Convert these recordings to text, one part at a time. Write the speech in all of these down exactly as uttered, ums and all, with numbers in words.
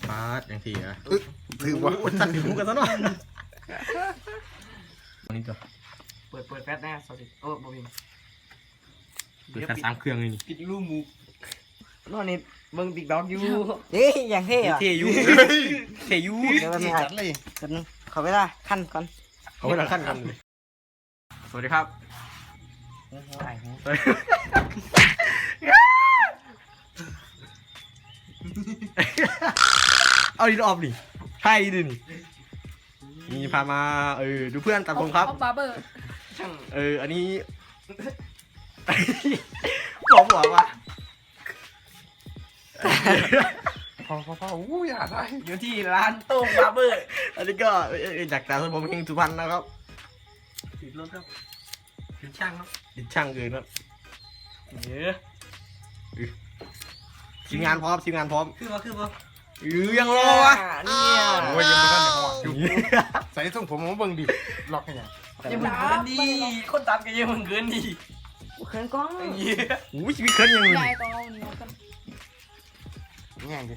ฟาดอย่างที่อ่ะถือว่าตัดหูกันซะหน่อยอันนี้ตัวเปิดเปิดแฟชแน่สวัสดีโอ้บอบินเปิดแฟสามเครื่องเลยนี่ปิดรูมูนอนนี่เบิ่งติ๊กต็อกอยู่เฮ้ยอย่างเท่อะเทยูเทยูเดี๋ยวมันจัหายดเลยกันงขอเวลาขั้นก่อนเขาไปทางขั้นกันเลยสวัสดีครับ เอาดินออฟดิใช่ดินี่นี่พามาเออดูเพื่อนตัดผมครับบาร์เบอร์ช่างเอออันนี้ บอกบอกว่าพอพอพออู้อย่าได้อยู่ที่ร้านโต้งบาร์เบอร์อันนี้ก็เอ่อจากตัดผมเฮงสุพรรณนะครับติดรถครับติดช่างครับดิช่างเกินครับเยอะทีมงานพร้อมทีมงานพร้อมคือว่าคือว่าเออยังรอวะเนี่ยโอ้ยยังไม่ทันได้หอดอยู่ใส่ส่งผมมาเบิ่งดิล็อกให้ยังยังมึงเกินดีคนตามกันยังมึงเกินดีเขินกล้องเยอะโอ้ยชีวิตเคลื่อนยังยายก็เอาหนีกันแง่งดิ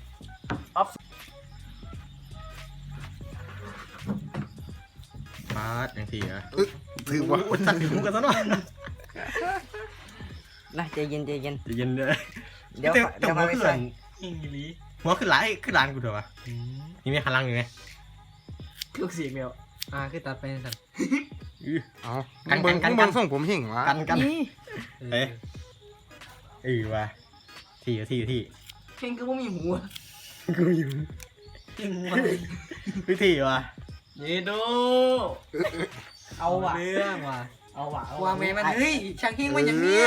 ฟาดอย่างที่อ่ะถือว่าตัดหูกันซะหน่อยนะใจเย็นใจเย็นจะเย็นเลยเดี๋ยวแต่เดี๋ยวหัมาว ไปขึ้นใส่อิงลีหัวขึ้นหลายขึ้นหลานกูเถอะวะนี่ไม่หันหลังอยู่ไงลูกเสียงเดียวอ่าคือตัดไปสั่นอื้อเอามึงเบิ่งมึงเบิ่งส่งผมหิ่งวะกันกันนี่เอ้ยเออว่ะที่ที่ที่เพลงก็ไม่มีหัวกูอยู่เพลงหัววิธีว่ะเยโดเอาว่ะเรื่องว่ะเอาว่ะวางเมย์มันเฮ้ยช่างเฮงมันอย่างเนี้ย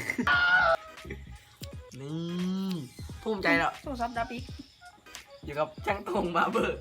นี่ภูมิใจแล้วโทรศัพท์ดับอีกอยู่กับช่างตรงบาร์เบอร์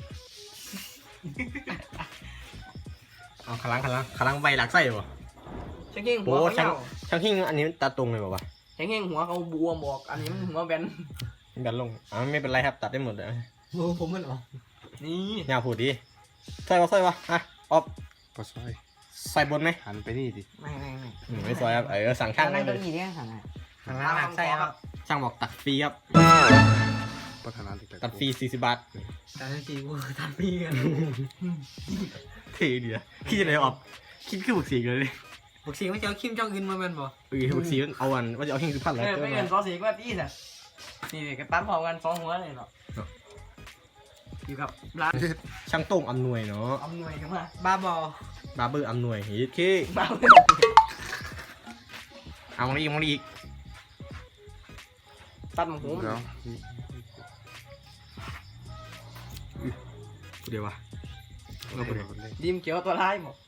เอาขลังขลังขลังใบหลักไส้บ่ช่างเฮงหัโอ้วช่างเขาช่างหิ้งอันนี้ตัดตรงเลยบ่วะช่างเฮงหัวเขาบวมบอกอันนี้มันหัวแบนดันลงอ๋อไม่เป็นไรครับตัดได้หมดเลยหัวผมมันหรอนี่อย่าพูดดิใส่บ่ใส่บ่อ่ะออฟปะซอยใส่บนไหมหันไปนี่ดิไม่ไม่ไม่อืมไม่ใส่ครับเออสั่งช่างได้นั่งเลเก้าย อี้เนี่ยสั่งอ่ะข้างล่างใส่ครับช่างบอกตัดฟรีครับพัฒนาติดตัดฟรีสี่สิบบาทแต่ทันทีกูตัดพี่กันเท่ดีอะคิดอะไรออกคิดคือบุกสีเลยดิบอกสิว่าจะเอาคิมจองอึนมาเป็นบ่เออบุกสีมันเอาอันว่าจะเอาหิ้งสุพรรณเอแล้วอก็ไม่เงินสองสีก็ตีสินี่ก็ตั้มพร้อมกันสองหัวเลยเนาะอยู่กับร้านช่างโต้งอำนวยเนาะอำนวยกันมาบ้าบอบาร์เบอร์อำนวยเฮ้ยเคบ้าเอามาอีกมาอีกตัดหมูแล้วเดี๋ยววะเราไปเลยดิมเขียวตัวร้ายหมด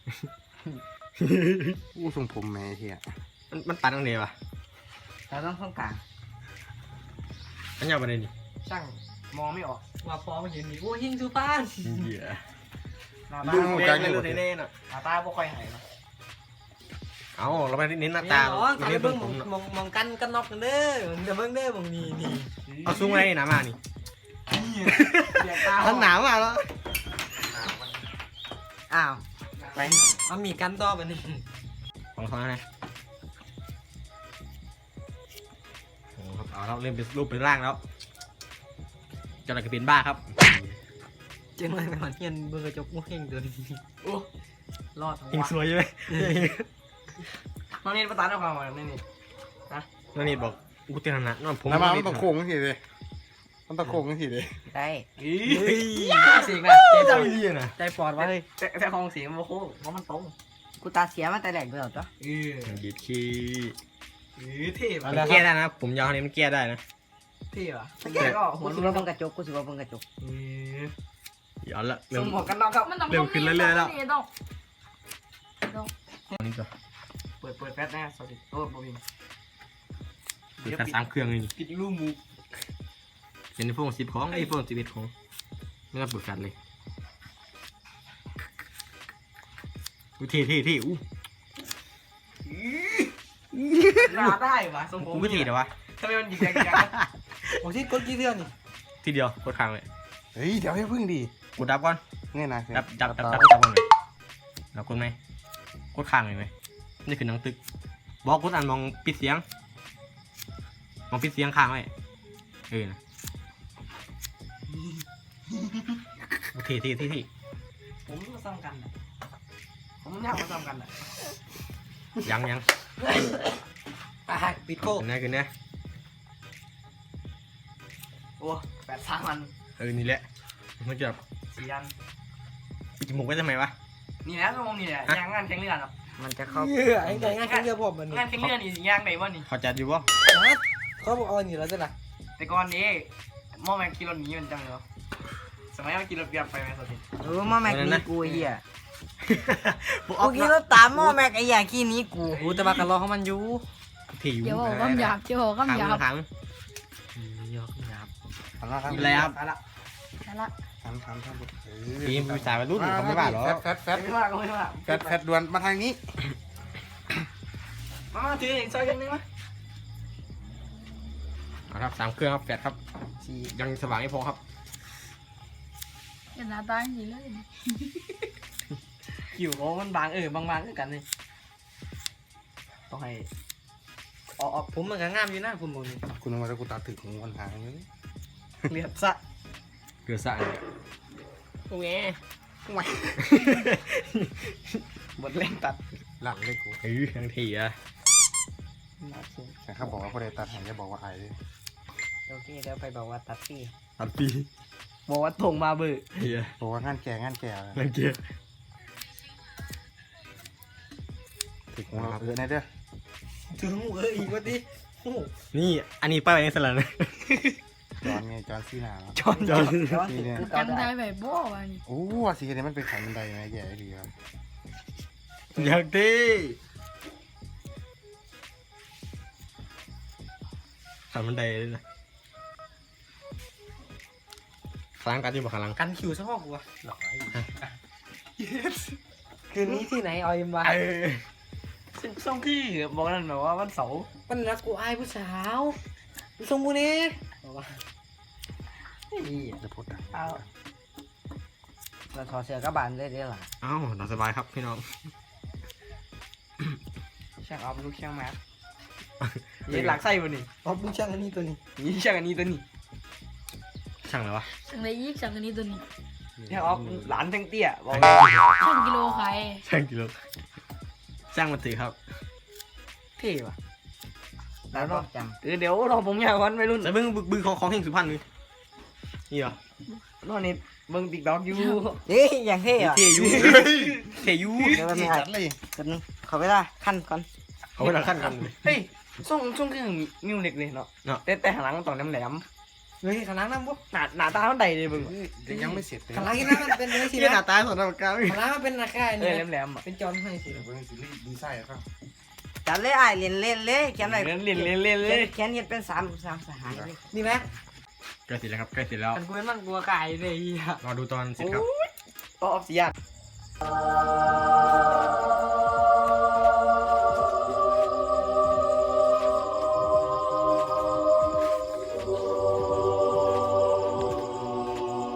อู้ส่งผมแม่เฮียมันมันตัดตรงไหนวะเราต้องต้องกลางอันยาวไปไหนนี่ช่างมองไม่ออกว่าพอมาเห็นนี่โอ้หิงซูปานเหี้ยหน้าตาดูแดงเลยเลยแน่ๆน่ะหน้าตาบ่ค่อยหายเนาะเอาเราไปเน้นหน้าตาอ๋อไม่ใส่ได้เบิ้เบิ่งงผมมองมองกันกันนอกกันเด้อเดี๋ยวเบิ้งเด้อมองนี่นี่เอาซุ้งไว้หนามานี่เสียตามันหนาวมากแล้วอ้าวไปมันมีกันต่อไปนี่ของเขานะโอ้ครับเอาเราเริ่มเป็นรูปเป็นร่างแล้วจะอะไรก็เป็นบ้าครับเจ๊งเลยไปหอนเทียนเบิ้งกระจกมุ้งเฮงตัวนี้โอ้รอดหิงสวยใช่ไหมน้องนี่ประตานเอาความมานี่นี่นั่นนี่บอกกูเตือนนะนั่นผมน้ำมันมันต้องโค้งทีเลยมันต้องโค้งทีเลยได้เฮ้ยเสียงนะเจ๊เจ๊เจ้าเจ้าอีนะใจปลอดไว้แต่แต่ของเสียงมันโค้งเพราะมันตรงกูตาเสียมาแต่แรกเลยเหรอจ๊ะเออดีขี้เออเท่มันป่ะแก้ได้นะ ผมยาวนี้มันแก้ได้นะเท่ป่ะกูแกก็หัวสิรุว่าน เบิ้งกระจกกูสิว่าเบิ้งกระจกเออย้อนละสเริ่มมหมวกกันน็อกครับมันต้องเริ่มขึ้นเรื่อยๆแล้วนี่ต้องต้องอันนี้ก็เปิดเปิดแฟชแน่สวัสดีโอ้บอบินเปิดแค่สามเครื่องเลยนี่ปิดรูมูเป็นไอโฟนสิบของไอโฟนสิบเอ็ดของไม่ต้องเปิดแฟลชเลยอู้เท่เท่เท่อู้หน้าได้ป่ะสมผมกูไม่เท่เดี๋ยววะทำไมมันหยิกแกงโอ้ที่กดกี่เดือนนี่ทีเดียวกดค้างเลยเฮ้ยเดี๋ยวให้พึ่งดิกดดับก่อนเนี่ยนะดับดับดับดับดับก่อนเลยแล้วกดไหมกดค้างเลยไหมนี่คือหนังตึกบอกกดอันมองปิดเสียงมองปิดเสียงค้างไว้เออนะทีทีทีทีผมมาซ้ำกันอ่ะผมอยากมาซ้ำกันอ่ะยังยังอ่ะปิดโก้ขึ้นนะขึ้นนะโอ้แปดสามอันเออนี่แหละมันจะสี่อันปิดจมูกไว้ทำไมวะนี่แหละชั่วโมงนี่แหละยางงานแข่งเรือเนาะมันจะเข้าเยื่อไอ้ไงงานแข่งเรือผมมันนี่งานแข่งเรือนี่สิยางไหนวะนี่เขาจัดอยู่ป่ะเขาบอกเอาอันนี้แล้วจ้ะนะแต่ก่อนนี้หม้อแม็กกิโลนี้มันจังเลยสมัยมันกินรถเบียร์ไปไหมสติเออหม้อแม็กนี่กูไอ้เหี้ยพวกอกูอฟกินแล้วตามหม้อแม็กไอ้เหี้ยขี้นี้กูกูแต่ว่ากระรอของมันอยู่ถี่อยู่เดี๋ยวบอกคำหยาบเดี๋ยวบอกคำหยาบขังยอกหยาบทำละครับกินอะไรครับเอาละนั่นละทำทำทำทีมผู้ชายวัยรุ่นเขาไม่ว่าหรอแฟดแฟดแฟดไม่ว่าก็ไม่ว่าแฟดแฟดด่วนมาทางนี้มามาถืออีกซอยกันนึงมั้ยเอาครับสามเครื่องครับแปดครับสี่ยังสว่างไม่พอครับอย่าหน้าตาอย่างนี้เลยคิวโอ้มันบางเออบางๆด้วยกันเลยต้องให้ออกออกผมมันก็งามอยู่นะผมบอกนี่คุณมาแล้วกูตัดถึงวันทางนี้เรียบซะเกลือสะเลยโอ้ยบทเล่นตัดหลังเลยกูเฮ้ยทั้งทีอะแต่เขาบอกว่าพอได้ตัดหายจะบอกว่าไอ้โอเคเดี๋ยวไปบอกว่าตัดพี่ตัดปีบอกว่าถงมาเบื่อเฮียบอกว่างานแก่งานแก่รังเกียจถึงเราเออในเด้อถึงหูเอออีกว่าดิโอ้นี่อันนี้ป้ายไว้ในสลัดนะจอนไงจอนซีนาจอนจอนนี่เนี่ยจำได้แบบบ่วะนี่โอ้ว่าสีเนี่ยมันเป็นขันบันไดไงแย่ดีครับอยากดีขันบันไดเลยนะข้างล่างกันอยู่บ่ข้างล่างกันคิวซะพ่อกูวะหล่อคืนนี้ที่ไหนออยมาเออซึ่งช่วงที่บอกนั่นแบบว่าวันเสาร์มันรักกูอายผู้สาวมึงส่งกูนี่บอกว่าจะพูดดังเอาเราถอดเสื้อกระบาลได้ได้หรอเอ้าหลับสบายครับพี่น้องช่างเอาลูกช่างแมสยี่หลักไส้บ่นี่เอาบุ้งช่างอันนี้ตัวนี้ยี่ช่างอันนี้ตัวนี้ช่างอะไรวะสั่งได้ยี่สั่งอันนี้ตัวนี้ช่างออฟหลานทั้งเตี้ยบอกช่างกิโลขายช่างกิโลช่างมันถือครับเท่ว่ะแล้วรอบจังเออเดี๋ยวรอผมอยากวันไปรุ่นแต่เบิ้งบึงของของเฮงสุพรรณนี่นี่เหรอรอนี่เบิ่งติ๊กต็อกอยู่เฮ้ยอย่างเท่อะเทยูเทยูเดี๋ยวมันไม่จัดเลยกันงขอเวลาขั้นก่อนเอาไว้หลังขั้นกันเลยเฮ้ยส่งส่งคือมิวเล็กเลยเนาะเนาะแต่แต่หางหลังมันต้องแหลมเฮ้ยขางหลังน้ำบุ๊ๆหน้าหน้าตาเท่าใดเลยเบิ่งเดี๋ยวยังไม่เสร็จเลยขางหลังนี่นะมันเป็นอะไรสิที่หน้านะตาสอนรับการขางหลังมันเป็นราคาเอเนี่อย แหลมๆอ่ะเป็นจอนให้สิเดี๋ยวเพิ่งซีรีส์ดีไซน์ครับจัดเลยไอ้เล่นเล่นเลยเขียนอะไรเล่นเล่นเล่นเล่นเลยเขียนเขียนเป็นสามสามสหายเลยนี่ไหมใกล้เสร็จแล้วครับใกล้เสร็จแล้วกันกูเป็นมันกลัวไก่เลยอ่ะรอดูตอนเสร็จครับก็ออฟซิยัน